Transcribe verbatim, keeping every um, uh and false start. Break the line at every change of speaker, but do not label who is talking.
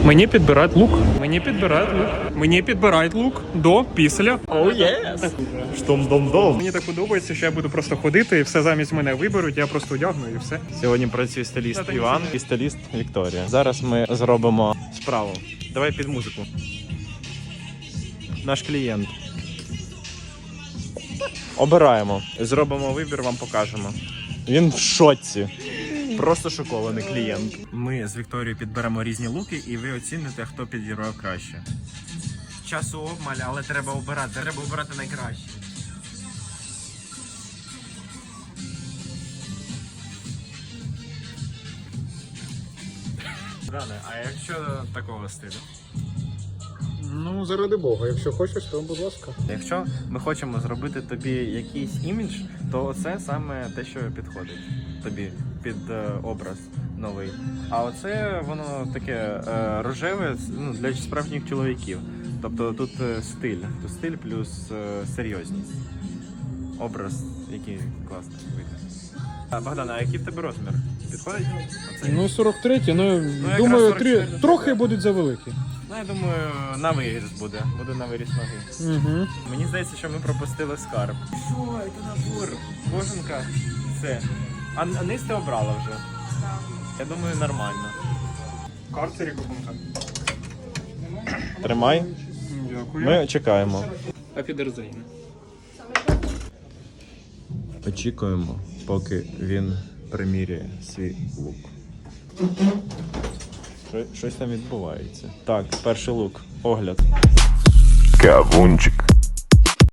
Мені підбирають лук. Мені підбирають лук. Мені підбирають лук до, після.
Оу, єс! Штом-дом-дом.
Мені так подобається, що я буду просто ходити і все замість мене виберуть, я просто одягну і все.
Сьогодні працює стиліст Іван і стиліст Вікторія. Зараз ми зробимо справу. Давай під музику. Наш клієнт. Обираємо. Зробимо вибір, вам покажемо. Він в шоці. Просто шокований клієнт. Ми з Вікторією підберемо різні луки і ви оціните, хто підібрав краще. Часу обмаль, але треба обирати. Треба обирати найкраще. Дане, а якщо такого стилю?
Ну, заради Бога, якщо хочеш, то будь ласка.
Якщо ми хочемо зробити тобі якийсь імідж, то це саме те, що підходить тобі під е, образ новий. А оце воно таке е, рожеве, ну, для справжніх чоловіків. Тобто тут е, стиль, тут стиль плюс е, серйозність. Образ, який класний вийде. А, Богдан, а який в тебе розмір? Підходить? Оцей?
Ну, сорок три, ну,
якраз
думаю,
сорок
три,
чотири.
трохи будуть завеликі.
Ну, я думаю, на виріс буде. Буде на виріс ноги.
Угу.
Мені здається, що ми пропустили скарб. Що, це набор? Кожанка. Все. А, а низ ти обрала вже? Так. Я думаю, нормально.
Карцері купунка.
Тримай.
Дякую.
Ми чекаємо.
Афідерзейн.
Очікуємо, поки він приміряє свій лук. Що- Щось там відбувається. Так, перший лук. Огляд.
Кавунчик.